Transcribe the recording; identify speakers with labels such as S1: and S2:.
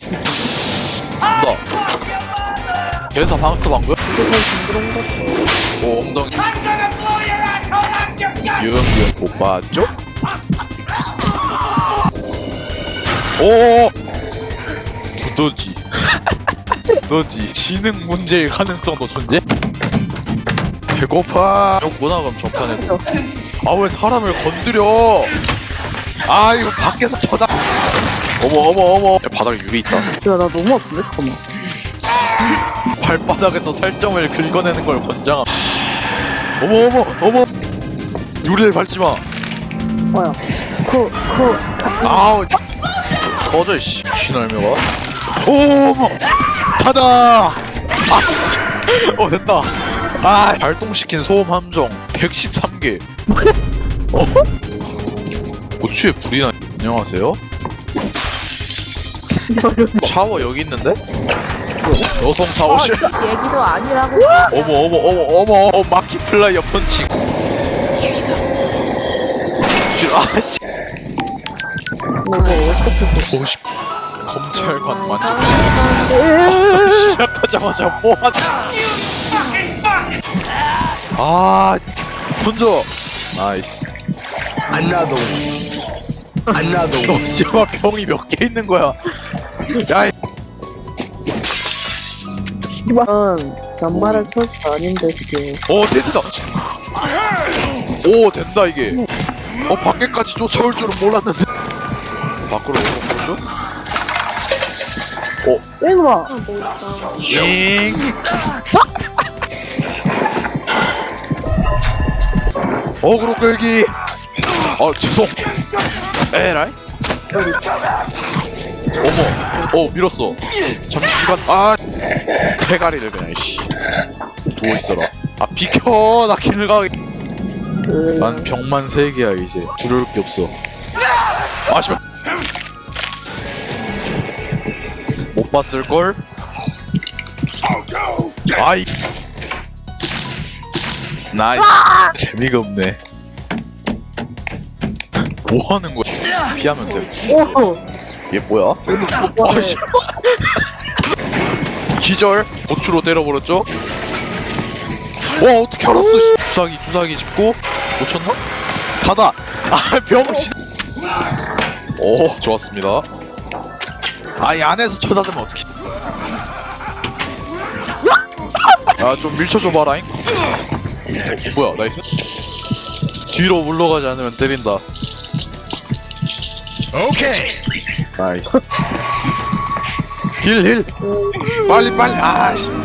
S1: 나 그래서 방스 방금?
S2: 이게 더 징그러운 것 같아.
S1: 오 엉덩이 유흥유흥 못 봤죠? 오 두더지 두더지 지능 문제일 가능성도 존재? 배고파 욕구나 그럼 전판에도 아 왜 사람을 건드려 아 이거 밖에서 쳐다 어머 야, 바닥에 유리 있다
S2: 야, 나 너무 아픈데? 잠깐만.
S1: 발바닥에서 살점을 긁어내는 걸 권장함 어머 유리를 밟지마
S2: 뭐야.
S1: 아우 꺼져 이씨 신할매가 어머 타다 아씨 됐다 아 발동시킨 소음 함정 113개 고추에 불이 나 안녕하세요 샤워 여기 있는데? 여성 샤워실
S2: 얘기도 아니라고.
S1: 어머 마키플라이어 펀칭 아씨 오십 검찰관 만족 시작하자마자 뭐하냐 아 던져 나이스 너 씨발 병이 몇 개 있는 거야 야이
S2: 이건 연말할 소스 아닌데, 지금.
S1: 된다 된다 이게 밖에까지 쫓아올 줄은 몰랐는데 밖으로 오는 거죠?
S2: 이거 봐.
S1: 잉 어그로 끌기 죄송 에라이 밀었어 잠시만 대가리를 그냥 씨 누워있어라 비켜 나 길을 가게 난 병만 3개야 이제 두려울 게 없어 씨발 못 봤을걸? 아이 나이스 재미가 없네 뭐 하는 거야? 피하면 돼
S2: 오!
S1: 얘 뭐야? 아씨 기절 고추로 때려버렸죠? 와 어떻게 알았어 주사기 짚고 놓쳤나? 닫아 병신 오 좋았습니다 이 안에서 쳐다보면 어떡해 좀 밀쳐줘봐라잉 뭐야 나이스 뒤로 물러가지 않으면 때린다 오케이 나이스 힐 빨리 아씨